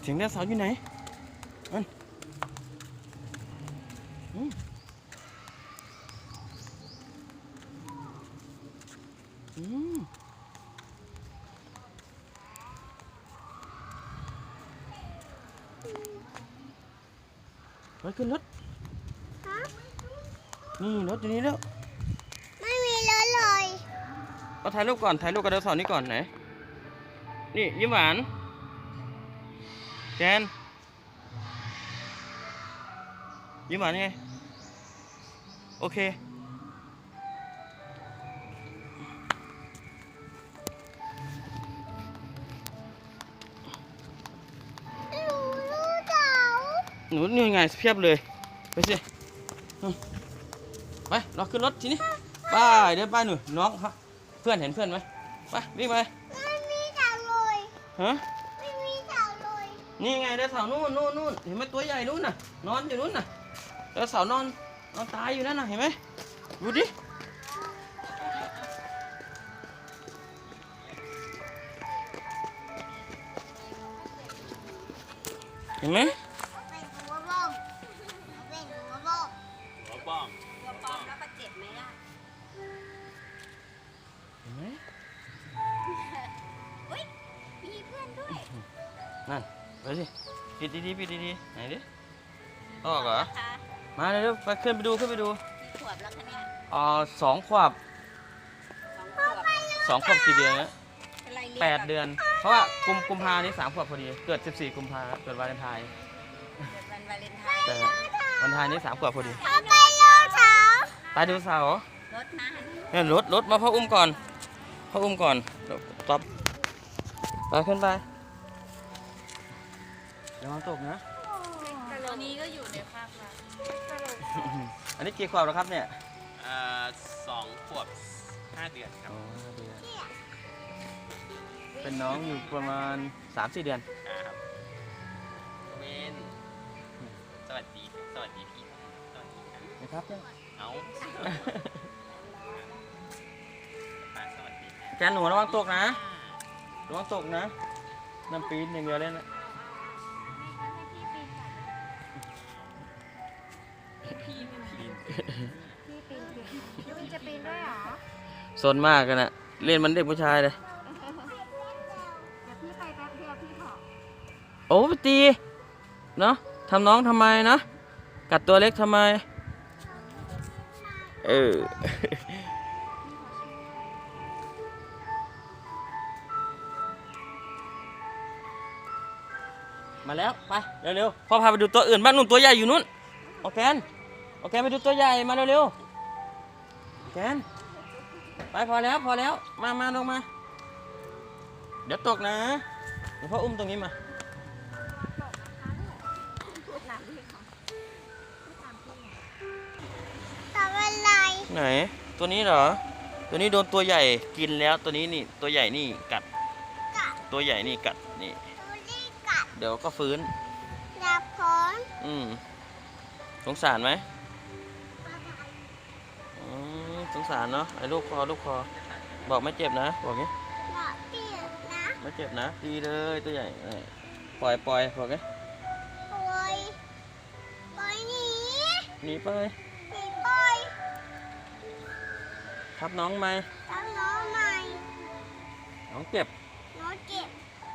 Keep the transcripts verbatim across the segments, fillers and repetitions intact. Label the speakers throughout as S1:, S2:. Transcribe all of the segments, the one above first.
S1: เสียงไดโนเสาร์อยู่ไหนอันอืมอืมไปขึ้นรถนี่รถอยู่นี่แล้ว
S2: ไม่มีรถเลย
S1: เอาถ่ายรูปก่อนถ่ายรูปกับไดโนเสาร์นี่ก่อนไหนนี่ยิ้มหวานแกนยิ้มหวานไงโอเค
S2: หนูรู้เสา
S1: หนูนี่ไงเพียบเลยไปสิไปเราขึ้นรถทีนี้ไปเดี๋ยวไปหนูน้องครับเพื่อนเห็นเพื่อนไหมไปวิ่งไป
S2: ไม่มีเสาเลย
S1: ฮะ
S2: ไม่มีเสาเลย
S1: นี่ไงไดโนเสาร์นู่นนู่นนู่นเห็นไหมตัวใหญ่นู่นน่ะนอนอยู่นู่นน่ะไดโนเสาร์นอนนอนตายอยู่นั่นน่ะเห็นไหมดูดิเห็นไหม
S2: เป็นหัวบ้องเป็นหัวบ้อง
S3: หัวบ้อง
S2: หัวปอมแล้วก็เจ็บไหมล่ะ
S1: เห็นไหม
S2: อุ้ยมีเพื่อนด้วย
S1: นั่นไปสิปิดดีๆปิดดีๆไหนดิออกเหรอมาเร็วๆไปขึ้นไปดูขึ้นไปดู
S2: กี่ขวบแล้วคะเนี่ย
S1: อ๋อสองขวบ
S2: สองขวบ
S1: สองขวบกี่เดือนนะ
S2: เป็นไรเรียน
S1: แปดเดือน เพราะว่ากุมกุมภานี่สามขวบพอดีเกิดสิบสี่กุมภาเกิดวาเลนไทน์
S2: เกิดวันวาเลนไทน์
S1: แต่วันไทน์นี่สามขวบพอดี
S2: เขาไปรอเช้า
S1: ไปดูเสาร์
S2: รถนะ
S1: เนี่ยรถรถมาพ่ออุ้มก่อนพ่ออุ้มก่อนต๊อปไปขึ้นไปเดี๋ยวมันตกนะ
S2: ตอนนี้ก็อยู่ในภาครัฐ
S1: อันนี้กี่ขวบแล้วครับเนี่ย
S3: อ่าสองขวบห้าเดือนครับ
S1: อ๋อเดือนเป็นน้องอยู่ประมาณสามสี่เดือน
S3: ครับเวนสวัสดี สวัสดีพี่ สวัสดีครับ
S1: นะครับ
S3: เอาอ่ะสวัสดีครับ
S1: แกนหนูระวังตกนะระวังตกนะน้ำปีนอย่างเดียวเลยนะ
S3: พี่ปีน
S2: ยูจะปีนด้วยเหรอ
S1: ซนมากกันนะเล่นมันเด็กผู้ชายเลย
S2: เดี๋ยวพี่ไปแป๊บเดียวพี่ขอ
S1: โอ้ไปตีเนาะทำน้องทำไมนะกัดตัวเล็กทำไมเออ มาแล้วไปเร็วๆพ่อพาไปดูตัวอื่นบ้านนู่นตัวใหญ่อยู่นู่นโอเคโอเคไปดูตัวใหญ่มาเร็วๆแกนไปพอแล้วพอแล้วมามาลงมาเดี๋ยวตกนะเดี๋ยวพ่ออุ้มตรงนี้มา
S2: ทำอะไร
S1: ไหนตัวนี้เหรอตัวนี้โดนตัวใหญ่กินแล้วตัวนี้นี่ตัวใหญ่นี่กัด
S2: กัด
S1: ตัวใหญ่นี่กัดนี่
S2: ดูดิกัด
S1: เดี๋ยวก็ฟื้น
S2: ดับพอน
S1: อืมสงสารไหมอืมสงสารเนาะไอ้ลูกคอลูกคอบอกไม่เจ็บนะบอกงี้
S2: หลอดเปียกนะ
S1: ไม่เจ็บนะดีเลยตัวใหญ่เออปล่อยปล่อยบอกงี้
S2: ปล่อยปล่อยหนี
S1: หนีไป
S2: หนีปล่อย
S1: ทับน้องไหม
S2: ตามน้องใหม่
S1: น้องเจ็บ
S2: น้องเจ็บ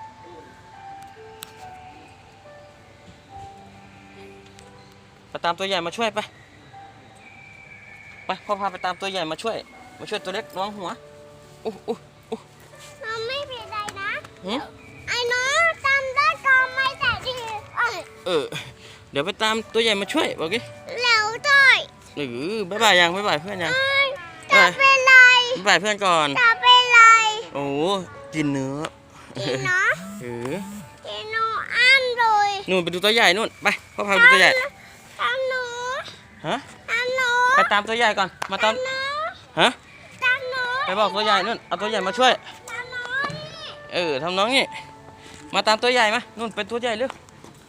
S1: ไปตามตัวใหญ่มาช่วยไปไปพ่อพาไปตามตัวใหญ่มาช่วยมาช่วยตัวเล็กน้องหัวอู้อู้อู้
S2: น้องไม่เป็นไรนะ
S1: หืม
S2: ไอ้น้องจำได้ก็ไม่แต่ดีเอ้ย
S1: เออเดี๋ยวไปตามตัวใหญ่มาช่วยบอกงี้
S2: เร็วด้วย
S1: หรือบายบายยังบายบายเพื่อนยัง
S2: เอ้ยจะเป็นไร
S1: บายบายเพื่อนก่อน
S2: จะเป็นไร
S1: โอ้กินเนื้อ
S2: กินเนาะ
S1: เออ
S2: กินหนูอันเลย
S1: นู่นไปดูตัวใหญ่นู่นไปพ่อพาไปดูตัวใหญ่
S2: ตามหนู
S1: ฮะ
S2: ตามหนู
S1: ไปตามตัวใหญ่ก่อนมาตาม
S2: หนู
S1: ฮะ
S2: ตามหนู
S1: ไปบอกตัวใหญ่นู่นเอาตัวใหญ่มาช่วย
S2: ตามหนูนี่
S1: เออทำน้องนี่มาตามตัวใหญ่มานู่นเป็นตัวใหญ่เร็ว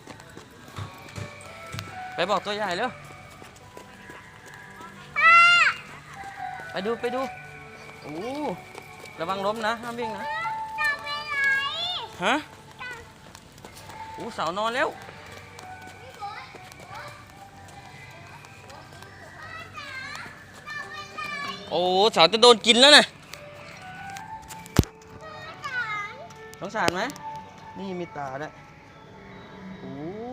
S1: ไปบอกตัวใหญ่เร็วไปดูไปดูโอ้ระวังล้มนะห้ามวิ่งนะ
S2: จะเป็นไร
S1: ฮะอู้สาวนอนแล้วโอ้สาวจะโดนกินแล้วนะสงสารไหมนี่มีตาด้วยโอ้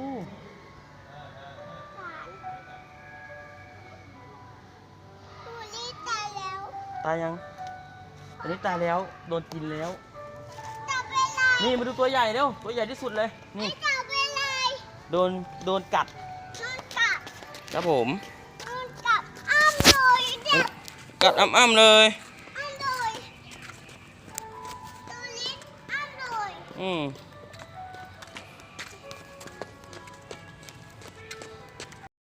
S2: ตัวนี้ตายแล้ว
S1: ตายยังอันนี้ตายแล้วโดนกินแล้ว
S2: จับไปเลย
S1: นี่มาดูตัวใหญ่เร็วตัวใหญ่ที่สุดเลยนี่
S2: จับไปเลย
S1: โดนโดนกัด
S2: นอนกัด
S1: ครับผม
S2: นอนกัดอ้ามเลยเด็ก
S1: กัดอ้ำๆเลย
S2: อ้ามเลยตัวนี้อ้ามเลย
S1: อืม